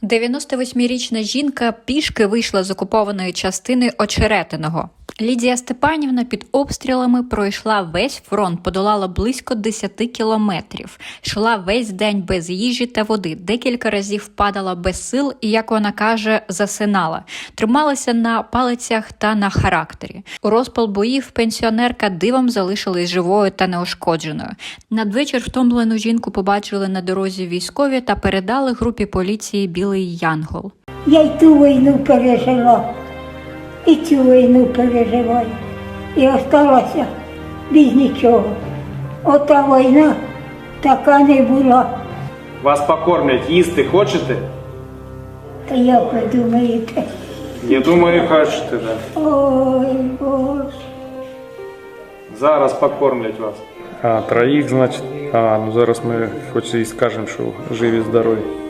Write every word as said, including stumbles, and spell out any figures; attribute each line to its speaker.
Speaker 1: дев'яносто восьмирічна жінка пішки вийшла з окупованої частини Очеретиного. Лідія Степанівна під обстрілами пройшла весь фронт, подолала близько десяти кілометрів. Йшла весь день без їжі та води, декілька разів падала без сил і, як вона каже, засинала. Трималася на палицях та на характері. У розпал боїв пенсіонерка дивом залишилась живою та неушкодженою. Надвечір втомлену жінку побачили на дорозі військові та передали групі поліції «Білий Янгол».
Speaker 2: Я й ту війну пережила, і цю війну переживаю. І осталася без нічого. Ота війна така не була.
Speaker 3: Вас покормлять, їсти хочете?
Speaker 2: Та як ви думаєте?
Speaker 3: Я думаю, хочете, да.
Speaker 2: Ой, Боже.
Speaker 3: Зараз покормлять вас.
Speaker 4: А, троїх, значить. А, ну зараз ми хоч і скажемо, що живі, здорові.